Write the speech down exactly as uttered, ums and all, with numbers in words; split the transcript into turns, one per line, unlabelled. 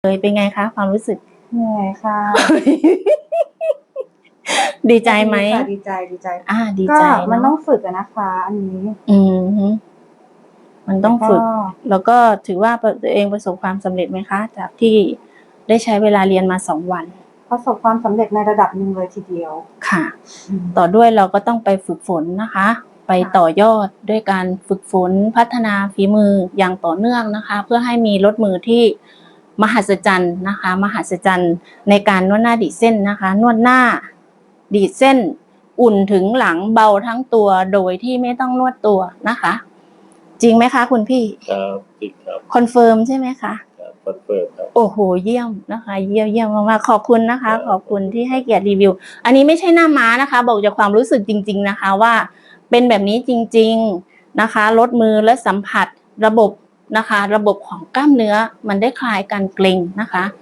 เลยเป็นไงคะความรู้สึก
เหนื่อยค่ะ
ดีใจไหม
ดีใจดีใจ
อ่าดีใจ
ก็มันต้องฝึกอะนะคะ อันนี้
อืมมันต้องฝึก แล้วก็ถือว่าตัวเองประสบความสำเร็จไหมคะ จากที่ได้ใช้เวลาเรียนมาสองวัน
ประสบความสำเร็จในระดับหนึ่งเลยทีเดียว
ค่ะต่อด้วยเราก็ต้องไปฝึกฝนนะคะ ไปต่อยอดด้วยการฝึกฝนพัฒนาฝีมืออย่างต่อเนื่องนะคะ เพื่อให้มีรถมือที่มหัศจรรย์นะคะมหัศจรรย์ในการนวดหน้าดีดเส้นนะคะ นวดหน้าดีดเส้นอุ่นถึงหลังเบาทั้งตัวโดยที่ไม่ต้องนวดตัวนะคะ จริงไหมคะคุณพี่
ครับจริงครับ
คอนเฟิร์มใช่ไหมคะ
ครับคอนเฟิร์มครับ
โอ้โหเยี่ยมนะคะเยี่ยมเยี่ยมมากๆขอบคุณนะคะขอบคุณที่ให้เกียรติรีวิวอันนี้ไม่ใช่หน้าม้านะคะบอกจากความรู้สึกจริงๆนะคะว่าเป็นแบบนี้จริงๆนะคะลดมือและสัมผัสระบบนะคะระบบของกล้ามเนื้อมันได้คลายการเกร็งนะคะ